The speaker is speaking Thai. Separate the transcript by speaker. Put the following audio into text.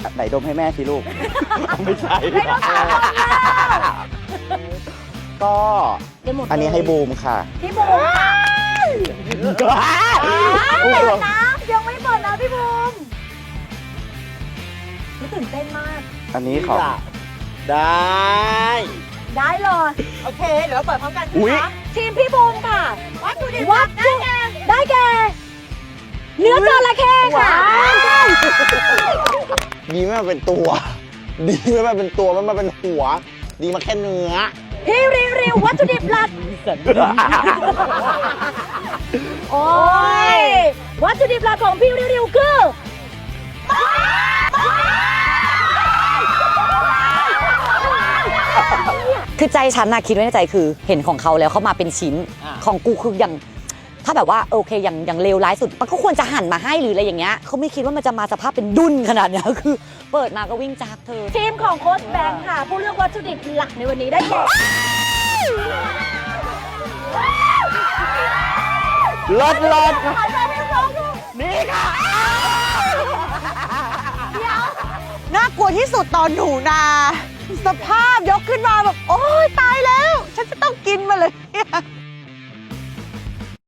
Speaker 1: ไหนดมให้แม่สิลูก ไม่ใช่ ก็
Speaker 2: ได้หมดเลย
Speaker 1: อันนี้ให้บูมค่ะ
Speaker 2: พี่บูมค่ะเปิดนะยังไม่เปิดนะพี่บูมตื่นเต้นมาก
Speaker 1: อันนี้ขอ
Speaker 3: ได้
Speaker 2: ได้เลย
Speaker 4: โอเค เดี๋ยวเราเปิดพร้อมกัน
Speaker 1: อุ๊ย
Speaker 4: นะคะ
Speaker 2: ทีมพี่บูมค่ะ
Speaker 4: วัตถุดิบ
Speaker 2: วัตถุได้แก่เนื้อจระเข้ค่ะ
Speaker 3: ดีไม่มาเป็นตัว ดีไม่มาเป็นตัวไม่มาเป็นหัว ดีมาแค่เนื้อ
Speaker 2: พี่ริววัตถุดิบหลักโอ้ยวัตถุดิบหลักของพี่ริวคือคือใจฉันนะคิดไว้ในใจคือเห็นของเขาแล้วเขามาเป็นชิ้นของกูคืออย่างถ้าแบบว่าโอเคอย่างเลวร้ายสุดมันก็ควรจะหั่นมาให้หรืออะไรอย่างเงี้ยเขาไม่คิดว่ามันจะมาสภาพเป็นดุ้นขนาดเนี้ยคือ เปิดมาก็วิ่งจากเธอทีมของโค้ชแบงค์ค่ะ ผู้เลือกวัตถุดิบหลักในวันนี้ได้แก่
Speaker 1: เลิศ
Speaker 2: นี่ค่ะ
Speaker 4: น่ากลัวที่สุดตอนหนูนา สภาพยกขึ้นมาแบบ โอ๊ย ตายแล้ว ฉันจะต้องกินมาเลย